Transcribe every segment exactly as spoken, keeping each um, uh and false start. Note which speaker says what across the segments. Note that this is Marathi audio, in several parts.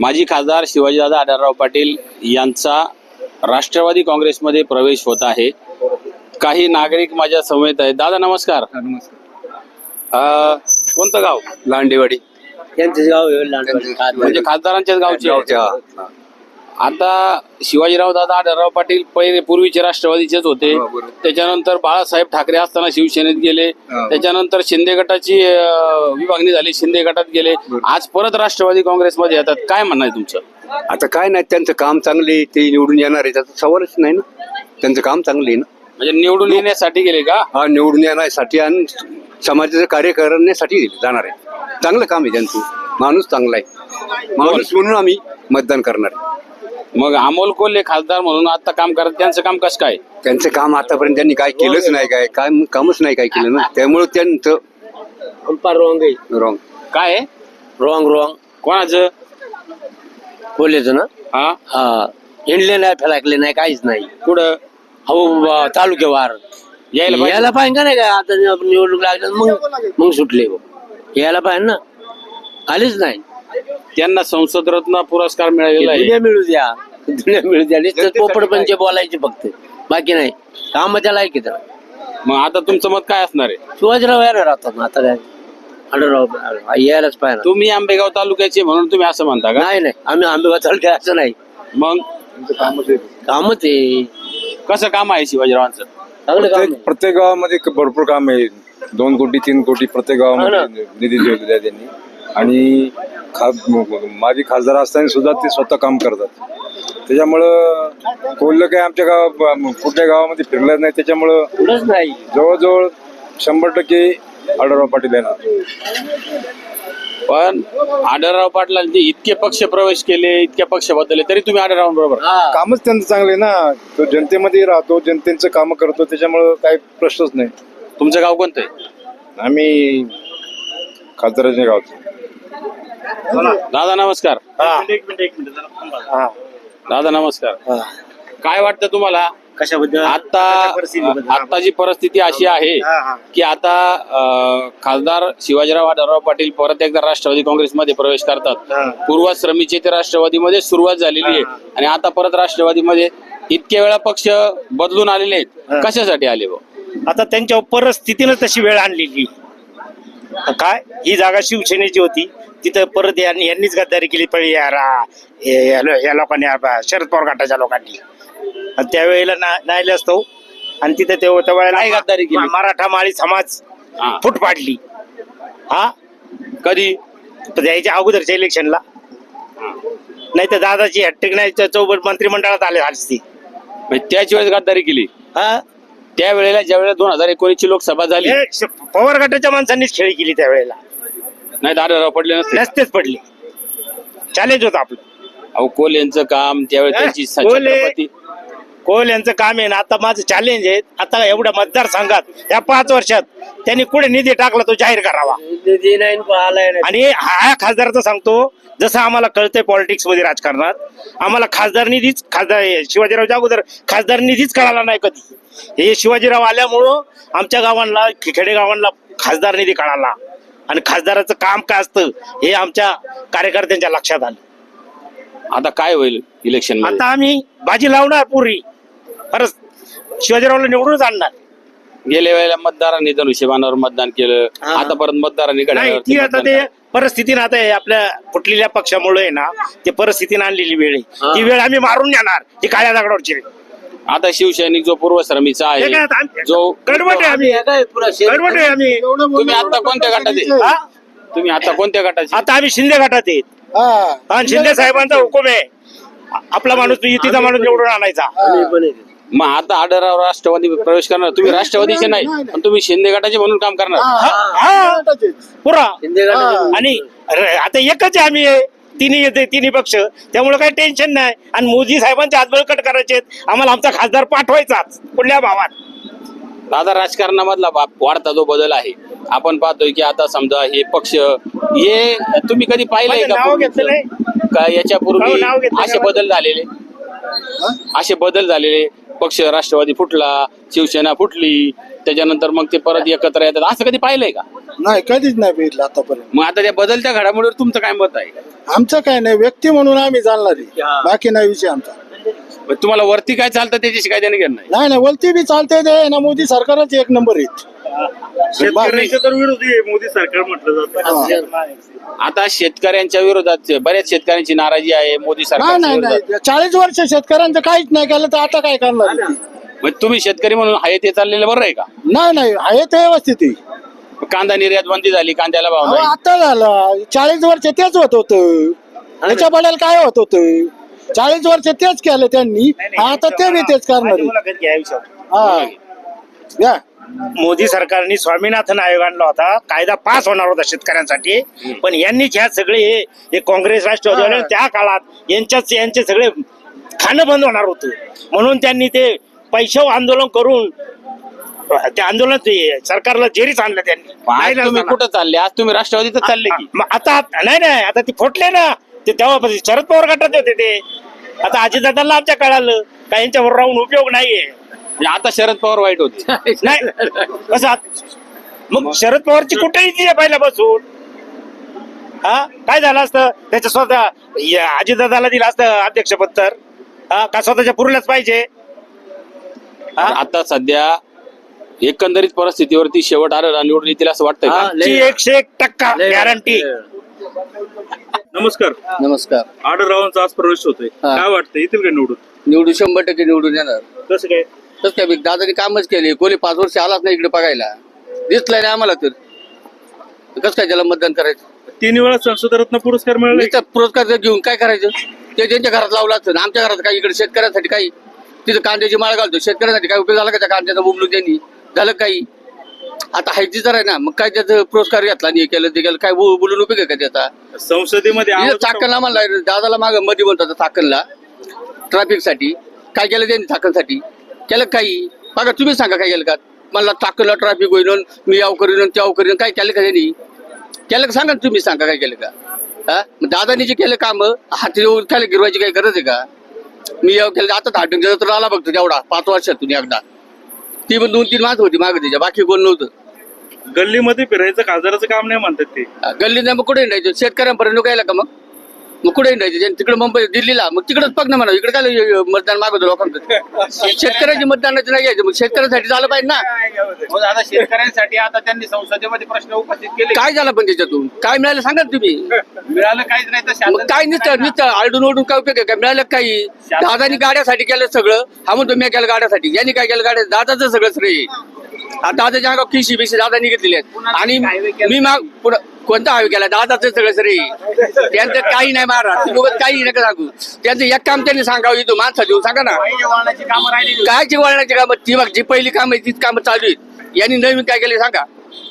Speaker 1: माजी खासदार शिवाजीदादा आढळराव पाटील यांचा राष्ट्रवादी काँग्रेसमध्ये प्रवेश होत आहे. काही नागरिक माझ्या समेत आहेत. दादा नमस्कार. अ, कोणतं गाव?
Speaker 2: लांडेवाडी.
Speaker 3: त्यांचं गाव आहे लांडवाडी.
Speaker 1: म्हणजे खासदारांच्याच गावचे. आता शिवाजीराव दादा आढळराव पाटील पहिले पूर्वीचे राष्ट्रवादीचेच होते. त्याच्यानंतर बाळासाहेब ठाकरे असताना शिवसेनेत गेले. त्याच्यानंतर शिंदे गटाची अ, विभागणी झाली, शिंदे गटात गेले. आज परत राष्ट्रवादी काँग्रेसमध्ये येतात. काय म्हणणं आहे तुमचं?
Speaker 2: आता काय नाही, त्यांचं काम चांगले, ते निवडून येणार आहे, त्याचा सवालच नाही ना. त्यांचं काम चांगले आहे ना.
Speaker 1: म्हणजे निवडून येण्यासाठी गेले का?
Speaker 2: हा, निवडून येण्यासाठी आणि समाजाचं कार्य करण्यासाठी जाणार आहे. चांगलं काम आहे त्यांचं. माणूस चांगला आहे, माणूस म्हणून आम्ही मतदान करणार.
Speaker 1: मग अमोल कोल्हे खासदार म्हणून आता काम करत, त्यांचं काम कसं काय?
Speaker 2: त्यांचं काम आतापर्यंत त्यांनी काय केलंच नाही, काय काय कामच नाही काय केलं ना. त्यामुळे त्यांचं
Speaker 3: रॉंग आहे.
Speaker 2: रॉंग.
Speaker 1: काय आहे?
Speaker 3: रॉंग रॉंग
Speaker 1: कोणाचं?
Speaker 3: बोलायचं ना.
Speaker 1: हा
Speaker 3: हा, हिंडले नाही, फेलाकले नाही, काहीच नाही.
Speaker 1: कुठं?
Speaker 3: हो, तालुक्यावर
Speaker 1: यायला पाहिजे.
Speaker 3: यायला पाहिजे का नाही का? आता निवडणूक लागल्या मग मग सुटले. यायला पाहिजे ना, आलीच नाही.
Speaker 1: त्यांना संसद रत्न पुरस्कार मिळालेला आहे.
Speaker 3: दुनिया मिळू द्या, दुनिया मिळू द्या. नुसतं पोपट पंचे बोलायचे फक्त, बाकी नाही. काम त्याला आहे की त्याला.
Speaker 1: मग आता तुमचं मत काय असणार आहे?
Speaker 3: शिवाजीराव यायला राहतात ना. आता काय आढळराव यायलाच पाहिजे.
Speaker 1: तुम्ही आंबेगाव तालुक्याचे म्हणून तुम्ही असं म्हणता का?
Speaker 3: नाही नाही, आम्ही आंबेगाव तालुक्यात असं नाही.
Speaker 1: मग
Speaker 3: कामच आहे,
Speaker 1: कसं काम आहे शिवाजीरावांचं?
Speaker 3: चांगलं काम
Speaker 4: प्रत्येक प्रत्येक गावामध्ये भरपूर काम आहे. दोन कोटी तीन कोटी प्रत्येक गावामध्ये निधी दिलेला आहे त्यांनी. आणि खा माझी खासदार असताना सुद्धा ते स्वतः काम करतात. त्याच्यामुळं कोल्हे काही आमच्या गाव कुठल्या गावामध्ये फिरलं नाही. त्याच्यामुळं
Speaker 3: कुठंच नाही.
Speaker 4: जवळजवळ शंभर टक्के आढळराव पाटील येणार.
Speaker 1: पण आढळराव पाटलांचे इतके पक्ष प्रवेश केले, इतके पक्ष बदलले, तरी तुम्ही आढळरावांबरोबर.
Speaker 4: कामच त्यांचं चांगले ना. तो जनतेमध्ये राहतो, जनतेचं काम करतो, त्याच्यामुळं काही प्रश्नच नाही.
Speaker 1: तुमचं गाव कोणतं आहे?
Speaker 4: आम्ही खासदाराच्या गावचं.
Speaker 1: दादा नमस्कार. दादा नमस्कार. काय वाटतं तुम्हाला?
Speaker 3: कशाबद्दल?
Speaker 1: आता आताची परिस्थिती अशी आहे की आता अं, खासदार शिवाजीराव आढळराव पाटील परत एकदा राष्ट्रवादी काँग्रेसमध्ये प्रवेश करतात. पूर्वाश्रमीचे ते राष्ट्रवादीमध्ये सुरुवात झालेली आहे आणि आता परत राष्ट्रवादीमध्ये इतक्या वेळा पक्ष बदलून आलेले आहेत. कशासाठी आले भाऊ?
Speaker 5: आता त्यांच्या परिस्थितीनं तशी वेळ आणलेली. काय ही जागा शिवसेनेची होती, तिथं परत यांनी यांनीच गद्दारी केली पहिले या रा- हे- या लोकांनी, शरद पवार गटाच्या लोकांनी. आणि त्यावेळेला नाही असतो आणि तिथे ते
Speaker 1: काय गद्दारी केली?
Speaker 5: मराठा माळी समाज
Speaker 1: हा.
Speaker 5: फूट पाडली. हा,
Speaker 1: कधी?
Speaker 5: तर यायच्या अगोदरच्या इलेक्शनला. नाही तर दादाची हॅट्रिक नाही तर चौबट मंत्रिमंडळात आले असती.
Speaker 1: म्हणजे त्याच वेळेस गद्दारी केली.
Speaker 5: हा,
Speaker 1: त्यावेळेला ज्या वेळेला दोन हजार एकोणीस ची लोकसभा झाली,
Speaker 5: हे श- पवार गटाच्या माणसांनीच खेळी केली त्यावेळेला.
Speaker 1: नाही आढळराव पडले नसते.
Speaker 5: नसतेच पडले. चॅलेंज होतं आपलं.
Speaker 1: अहो कोल यांचं काम त्यावेळेस त्यांची
Speaker 5: कोल्हे-
Speaker 1: छत्रपती
Speaker 5: कोल यांचं काम आहे ना. आता माझं चॅलेंज आहे, आता एवढ्या मतदारसंघात या पाच वर्षात त्यांनी कुठे निधी टाकला तो जाहीर करावा.
Speaker 3: निधी नाही आलाय नाही.
Speaker 5: आणि हा खासदारचं सांगतो, जसं आम्हाला कळतंय पॉलिटिक्स मध्ये, राजकारणात आम्हाला खासदार निधीच, खासदार शिवाजीरावच्या अगोदर खासदार निधीच कळाला नाही कधी. हे शिवाजीराव आल्यामुळं आमच्या गावांना, खेडेगावांना खासदार निधी कळाला. आणि खासदाराचं काम काय असतं हे आमच्या कार्यकर्त्यांच्या लक्षात आलं.
Speaker 1: आता काय होईल इलेक्शन मध्ये?
Speaker 5: आता आम्ही बाजी लावणार पुरी, परत शिवाजीरावला निवडूनच आणणार.
Speaker 1: गेल्या वेळेला मतदारांनी धनुष्यबाणावर मतदान केलं, आता परत मतदारांनी
Speaker 5: नाही, ती आता ते परिस्थितीनं, आता हे आपल्या कुठलेल्या पक्षामुळे आहे ना, ते परिस्थितीनं आणलेली वेळ आहे. ती वेळ आम्ही मारून नेणार. ही काळ्या दगडावरची वेळ.
Speaker 1: आता शिवसैनिक जो पूर्वश्रमीचा
Speaker 5: हे काय
Speaker 1: आहे,
Speaker 5: आता आम्ही-
Speaker 1: जो
Speaker 5: गडबड आहे आम्ही, गडबड आहे आम्ही.
Speaker 1: तुम्ही आता कोणत्या गटात आहे?
Speaker 5: हा?
Speaker 1: तुम्ही आता कोणत्या गटाचे?
Speaker 5: आता आम्ही शिंदे गटात आहेत. आणि शिंदे साहेबांचा हुकुम आहे, आपला माणूस युतीचा माणूस निवडून आणायचा.
Speaker 1: मग आता आढळराव राष्ट्रवादी प्रवेश करणार, तुम्ही राष्ट्रवादीचे नाही पण तुम्ही शिंदे गटाचे म्हणून काम करणार.
Speaker 5: हा, पुरा. आणि र- आता एकच आहे आम्ही, तिन्ही येते तिन्ही पक्ष, त्यामुळे काही टेन्शन नाही. आणि मोदी साहेबांचे हात बळकट करायचे, आम्हाला आमचा खासदार पाठवायचाच कुठल्या भावात.
Speaker 1: दादा राजकारणामधला बा- वाढता जो बदल आहे, आपण पाहतोय की आता समजा हे पक्ष, हे तुम्ही कधी पाहिलंय
Speaker 5: माझं
Speaker 1: का?
Speaker 5: नाव घेतलं नाही.
Speaker 1: का याच्यापूर्वी
Speaker 5: हो, नाव घेतलं
Speaker 1: असे
Speaker 5: नाही.
Speaker 1: बदल झालेले, असे बदल झालेले पक्ष राष्ट्रवादी फुटला, शिवसेना फुटली, त्याच्यानंतर मग ते परत एकत्र येतात, असं कधी पाहिलंय का?
Speaker 6: नाही, कधीच नाही बघितलं आतापर्यंत.
Speaker 1: मग आता त्या बदलत्या घडामोडीवर तुमचं काय मत आहे?
Speaker 6: आमचं काय नाही, व्यक्ती म्हणून आम्ही जाणणारी, बाकी नाही विषय आमचा.
Speaker 1: मग तुम्हाला वरती काय चालतं त्याच्याशी काय देणं घेणं नाही?
Speaker 6: नाही नाही, वलती बी चालते ते ना, मोदी सरकारच एक नंबर आहेत.
Speaker 5: शेतकऱ्यांच्या तर विरोधी मोदी सरकार म्हटलं जातं.
Speaker 1: आता शेतकऱ्यांच्या विरोधात बऱ्याच शेतकऱ्यांची नाराजी आहे मोदी
Speaker 6: नाही नाही
Speaker 1: सरकार.
Speaker 6: नाही, चाळीस वर्ष शेतकऱ्यांचं काहीच नाही केलं तर आता काय करणार आहे?
Speaker 1: मग तुम्ही शेतकरी म्हणून आहे ते चाललेलं बरं आहे का?
Speaker 6: नाही नाही, आहे ते व्यवस्थित आहे.
Speaker 1: कांदा निर्यात बंदी झाली, कांद्याला भाव
Speaker 6: अहो,
Speaker 1: नाही.
Speaker 6: आता झालं, चाळीस वर्ष तेच होत होतं, त्याच्या बद्दल काय होत होतं? चाळीस वर्ष तेच केलं त्यांनी, आता ते बी तेच करणार आहे. हा या.
Speaker 5: मोदी सरकारने स्वामीनाथन आयोग आणला होता, कायदा पास होणार होता शेतकऱ्यांसाठी, पण यांनीच ह्या सगळे हे- हे काँग्रेस राष्ट्रवादी त्या काळात यांच्याच यांचे सगळे खाणं बंद होणार होतं, म्हणून त्यांनी ते पैशावर आंदोलन करून त्या आंदोलन सरकारला जेरीच आणलं त्यांनी.
Speaker 1: आज तुम्ही कुठं चालले? आज तुम्ही राष्ट्रवादीत चालले की?
Speaker 5: मग आता नाही नाही, आता ते फुटले ना, ते तेव्हा शरद पवार गटात होते ते. आता अजितदादांना आमच्या कळालं का यांच्यावर राहून उपयोग नाहीये.
Speaker 1: म्हणजे आता शरद पवार वाईट होते.
Speaker 5: नाही कसं आत- मग शरद पवारची कुठेही ती आहे पहिल्यापासून. हा काय झालं असतं त्याच्या स्वतः या अजितदादाला दिलं असतं अध्यक्षपद तर, हा का स्वतःच्या पुरल्याच पाहिजे.
Speaker 1: आता सध्या एकंदरीत परिस्थितीवरती शेवट आलं निवडून येतील असं वाटतंय का?
Speaker 5: ची एकशे एक टक्का गॅरंटी. नमस्कार.
Speaker 7: नमस्कार.
Speaker 5: आढळरावांचा आज प्रवेश होतोय,
Speaker 7: हा.
Speaker 5: काय वाटतं येतील का निवडून?
Speaker 7: निवडून शंभर टक्के निवडून येणार.
Speaker 5: कसं काय?
Speaker 7: तसं काय बी दादाने कामच केले, कोणी पाच वर्ष आलाच नाही इकडे बघायला, दिसलाय नाही आम्हाला, तर कसं काय त्याला मतदान करायचं?
Speaker 5: तीन वेळा संसदरत्न पुरस्कार मिळाला.
Speaker 7: नुसता पुरस्कार जर घेऊन काय करायचं? ते त्यांच्या घरात लावला असतं, आमच्या घरात काही इकडे शेतकऱ्यांसाठी काही तिथं कांद्याची माळ घालतो, शेतकऱ्यांसाठी काय उपयोग झाला का त्या कांद्याचा उमलून त्यांनी? झालं काही? आता हायची तर आहे ना, मग काय त्याचं पुरस्कार घेतला नाही, केलं ते केलं, काय बो- बोलून उपयोग आहे का त्याचा?
Speaker 5: संसदेमध्ये
Speaker 7: इथं चाकणला म्हणला दादाला माग मध्ये म्हणतात चाकणला ट्रॅफिक साठी काय केलं त्यांनी? चाकणसाठी केलं काही? बघा तुम्ही सांगा काय केलं का? मला चाकणला ट्रॅफिक होईन, मी याव करीन त्याव करीन, काय केलं का त्यांनी? केलं का सांगा, तुम्ही सांगा काय केलं का? हा मग दादानी जे केलं काम हात येऊन काय गिरवायची काही गरज आहे का? मी याव केलं आता हाटून तर आला बघतो तेवढा पाच वर्षातून एकदा, ती पण दोन तीन माणसं होती मागे त्याच्या, बाकी कोण नव्हतं.
Speaker 5: गल्लीमध्ये फिरायचं खासदाराचं काम नाही म्हणतात ते.
Speaker 7: गल्ली नाही मग कुठे हिंडायचं? शेतकऱ्यांपर्यंत काय का? मग मग कुठे हिंडायचं? तिकडे मुंबई दिल्लीला, मग तिकडेच पग ना म्हणा, इकडे काय मतदान मागवतो लोकांचं? शेतकऱ्याची मतदानाचं नाही घ्यायचं, मग शेतकऱ्यांसाठी झालं पाहिजे ना.
Speaker 1: हो, आता शेतकऱ्यांसाठी आता त्यांनी संसदेमध्ये प्रश्न उपस्थित केले.
Speaker 7: काय झालं पण त्याच्यातून? काय मिळालं सांगा ना तुम्ही.
Speaker 1: मिळालं काहीच नाही तर
Speaker 7: मग काय नुसतं नुसतं आरडून ओढून काय उपयोग आहे? काय मिळालं काही? दादानी गाड्यासाठी केलं सगळं, हा म्हणतो मी केलं गाड्यासाठी, यांनी काय केलं गाड्या? दादाचं सगळं श्रेय. आता दादाच्या अंगावर किशी बिशी दादानी घेतलेली आहेत, आणि मी माग पुढं कोणता हायवे केला? दादाचं सगळं श्रेय. त्यांचं काही नाही महाराज, तुम्ही काही नका सांगू. त्यांचं एक काम त्यांनी सांगावं, इथं माणसा देऊ सांगा ना.
Speaker 1: कामं राहिली.
Speaker 7: काय जी वळणाची कामं? ती बघ जी पहिली कामं आहे तीच कामं चालू आहेत. यांनी नवीन काय केले सांगा?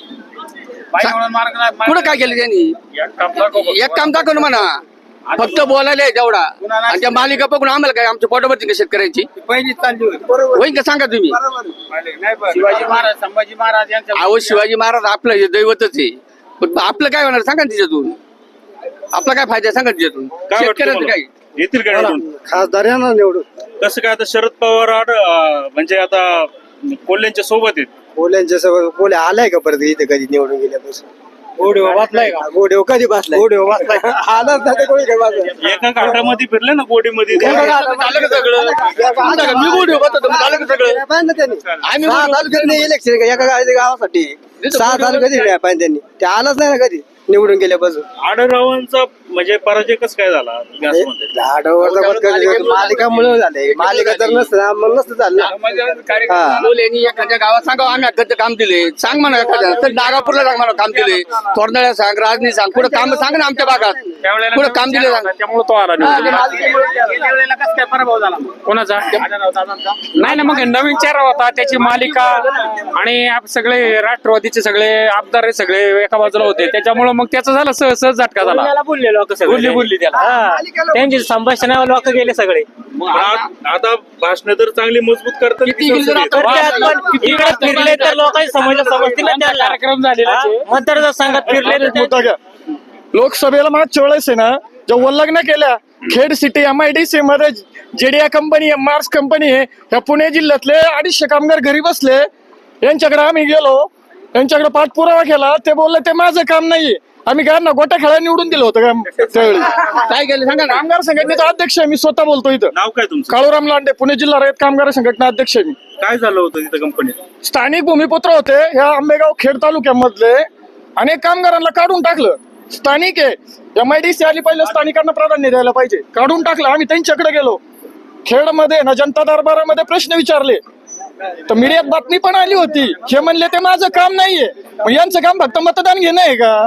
Speaker 7: कुठं काय केलं त्यांनी? एक काम दाखव ना म्हणा, फक्त बोलायला आहे तेवढा, आणि त्या मालिका बघून आम्हाला काय आमच्या पोटावरती का शेतकऱ्यांची
Speaker 6: पहिली चालली होती.
Speaker 7: होईन का सांगा तुम्ही?
Speaker 1: शिवाजी महाराज संभाजी महाराज यांच्या
Speaker 7: अहो शिवाजी महाराज आपलं हे दैवतच आहे, पण आपलं काय होणार सांगा ना तिच्यातून? आपला काय फायदा सांगा तिच्यातून?
Speaker 5: काय वाटतं
Speaker 7: शेतकऱ्यांचं
Speaker 5: तुम्हाला?
Speaker 7: काय?
Speaker 5: येतील का निवडून?
Speaker 6: खासदार येणार निवडून.
Speaker 5: कसं काय? आता शरद पवार आड अं, म्हणजे आता कोल्ह्यांच्या सोबत आहेत.
Speaker 6: कोल्यांच्या सगळं कोल्हे आलाय का परत इथे कधी निवडून गेल्यापासून? गोडेव बसलाय का? गोडेव कधी बसलाय? गोडेव बसलाय आलाच नाही कोणी काही बसलाय.
Speaker 5: एका घाटामध्ये फिरले ना गोडीमध्ये.
Speaker 7: झालं का सगळं? झालं का? मी बोलू होतो, झालं का सगळं? आम्ही
Speaker 6: सहा
Speaker 7: बोलू.
Speaker 6: तालुक्यात इलेक्शन एका गावाच्या गावासाठी सहा तालुक्यात दिले पाहिजे त्यांनी, ते आलाच नाही ना कधी निवडून गेल्यापासून.
Speaker 5: आढळरावांचा म्हणजे पराजय कसं काय झाला गॅसमध्ये?
Speaker 6: मालिकामुळे झाले, मालिका जर नसतं मग नसतं झालं. हा.
Speaker 7: बोलेनी एखाद्या गावात सांगा आम्ही एखादं काम दिले, सांग म्हणा एखाद्या. तर नागापूरला सांग म्हणा काम दिले, तोरणाळ्या सांग, राजनी सांग, कुठं काम सांग ना आमच्या भागात कुठं काम दिले सांग.
Speaker 1: त्यामुळे तो आला
Speaker 7: हा,
Speaker 1: निवडून.
Speaker 7: ते मालिकेमुळे
Speaker 1: गेल्या वेळेला कसं काय पराभव झाला कोणाचा? नाही ना, मग नवीन चेहरा होता, त्याची मालिका, आणि आप- सगळे राष्ट्रवादीचे सगळे आमदार हे सगळे एका बाजूला होते, त्याच्यामुळे मग त्याचा झाला सहज सहज झटका झाला.
Speaker 8: बोलले लोक
Speaker 1: बोलली बोलली त्याला.
Speaker 8: त्यांची संभाषण लोक गेले सगळे.
Speaker 5: आ- आता भाषण तर चांगली मजबूत करतात की
Speaker 7: किती गेली
Speaker 5: संसदेत?
Speaker 7: तर
Speaker 8: पण इकडे फिरले तर लोकांनी समजलं समजतील ना त्याला.
Speaker 1: कार्यक्रम झालेला
Speaker 8: हा? मतदारसंघात फिरले तर ते-
Speaker 6: लोकसभेला मागच्या वेळेस आहे ना, जेव्हा लग्न केल्या
Speaker 9: Khed city M I D C मध्ये जेडीआ कंपनी आहे, मार्स कंपनी आहे. या पुणे जिल्ह्यातले अडीचशे कामगार घरी बसले. यांच्याकडे आम्ही गेलो, यांच्याकडे पाठपुरावा केला. ते बोलले ते माझं काम नाहीये. आम्ही काय ना गोट्या खेळायला निवडून दिलं होतं का त्यावेळी?
Speaker 7: काय केलं सांगा ना.
Speaker 9: कामगार संघटनेचा अध्यक्ष आहे मी, स्वतः बोलतो इथं.
Speaker 5: नाव काय तुमचं?
Speaker 9: काळूराम लांडे, पुणे जिल्हा रयत कामगार संघटना अध्यक्ष आहे मी.
Speaker 5: काय झालं होतं तिथं कंपनीत?
Speaker 9: स्थानिक भूमिपुत्र होते ह्या आंबेगाव खेड तालुक्यामधले. अनेक कामगारांना काढून टाकलं. स्थानिक आहे, एम आय डी सी आली, पहिलं स्थानिकांना प्राधान्य द्यायला पाहिजे. काढून टाकलं. आम्ही त्यांच्याकडे गेलो. खेडमध्ये ना जनता दरबारामध्ये प्रश्न विचारले तर मीडियात बातमी पण आली होती. हे म्हणले ते माझं काम नाहीये. मग यांचं काम फक्त मतदान घेणं आहे का?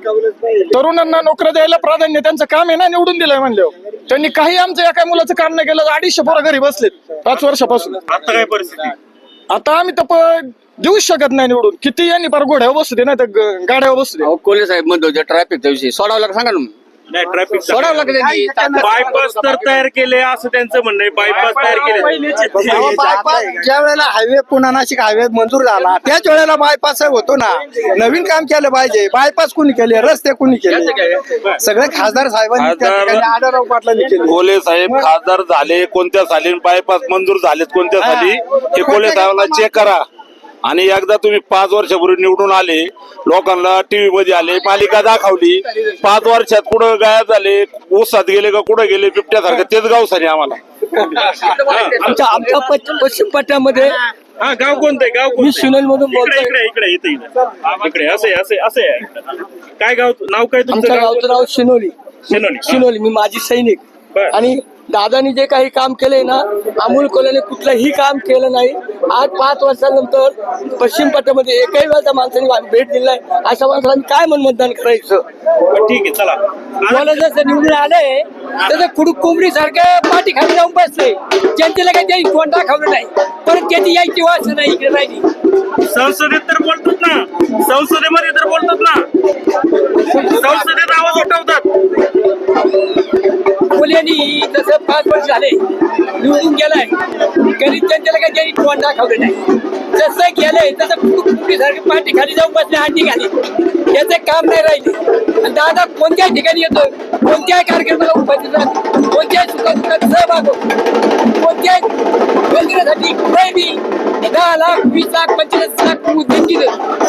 Speaker 9: तरुणांना नोकऱ्या द्यायला प्राधान्य त्यांचं काम आहे ना, निवडून दिलंय म्हणल्यावर. त्यांनी काही आमचं या काय मुलाचं काम नाही केलं. अडीचशे पोरं घरी बसलेत पाच वर्षापासून.
Speaker 5: आता काय परिस्थिती?
Speaker 9: आता आम्ही तर देऊच शकत नाही निवडून. किती यांनी पार घोड्यावर बसू दे, नाही तर गाड्यावर बसू दे.
Speaker 7: अहो कोल्हे साहेब म्हणतो ट्रॅफिकचा विषय सोडावा लागला, सांगा ना मग.
Speaker 5: नाही ट्रॅफिक
Speaker 7: सोडावं लागेल त्यांनी.
Speaker 5: बायपास तर तयार केले असं त्यांचं म्हणणं आहे. बायपास तयार केले.
Speaker 6: ज्या वेळेला हायवे पुन्हा नाशिक हायवे मंजूर झाला त्याच वेळेला बायपास होतो ना. नवीन काम केलं पाहिजे. बायपास कुणी केले, रस्ते कुणी केले? सगळे खासदार साहेबांनी त्या ठिकाणी आढळराव पाटलांनी केले.
Speaker 10: कोल्हे साहेब खासदार झाले कोणत्या साली, बायपास मंजूर झालेत कोणत्या साली, हे कोल्हे साहेबांना चेक करा. आणि एकदा तुम्ही पाच वर्षापूर्वी निवडून आले, लोकांना टीव्ही मध्ये आले, मालिका दाखवली. पाच वर्षात कुठं गायब झाले, ऊसात गेले का कुठं गेले, बिबट्यासारखं तेच गाव सारे आम्हाला.
Speaker 3: आमच्या आमच्या पश्चिम पश्चिम पट्ट्यामध्ये
Speaker 5: हा गाव कोणतं आहे? गाव
Speaker 3: मी सुनील मधून
Speaker 5: इकडे
Speaker 3: बोलतोय.
Speaker 5: इकडे इकडे इथे इथे इकडे असे असे असे आहे. काय गाव नाव काय तुमचं?
Speaker 3: आमच्या गावचं नाव शिनोली.
Speaker 5: शिनोली.
Speaker 3: शिनोली. मी माजी सैनिक.
Speaker 5: बर.
Speaker 3: आणि दादानी जे काही काम केलंय ना, अमोल कोल्हेने कुठलंही काम केलं नाही. आज पाच वर्षानंतर पश्चिम पट्ट्यामध्ये एकही वेळा त्या माणसाने भेट दिली नाही. अशा माणसाला काय म्हणून मतदान करायचं?
Speaker 5: ठीक आहे चला.
Speaker 3: मला जसं निवडून आले तसं कुडूक कोंबडी सारखं पाठी खाली जाऊन बसले. जनतेला काही त्याची कोण दाखवलं नाही. परत त्याची यायची वास नाही इकडे राहिली.
Speaker 5: संसदेत तर बोलतात ना, संसदेमध्ये तर बोलतात ना, संसदेत आवाज उठवतात.
Speaker 3: कोल्ह्यांनी जसं पाच वर्ष झाले निवडून गेलाय, गरीब जनतेला काही त्यांनी कोण दाखवलं नाही. जसं गेलंय तसं कुडूक सारखी पाठी खाली जाऊन बसले, हांडी खाली. याचं काम नाही राहिले. आणि दादा कोणत्याही ठिकाणी येतो, कोणत्याही कार्यक्रमाला उपस्थित राहतो, कोणत्याही सुखादुखात सहभाग होतो, कोणत्याही योजनेसाठी कुठेही दहा लाख वीस लाख पंचवीस लाख उद्योग दिलं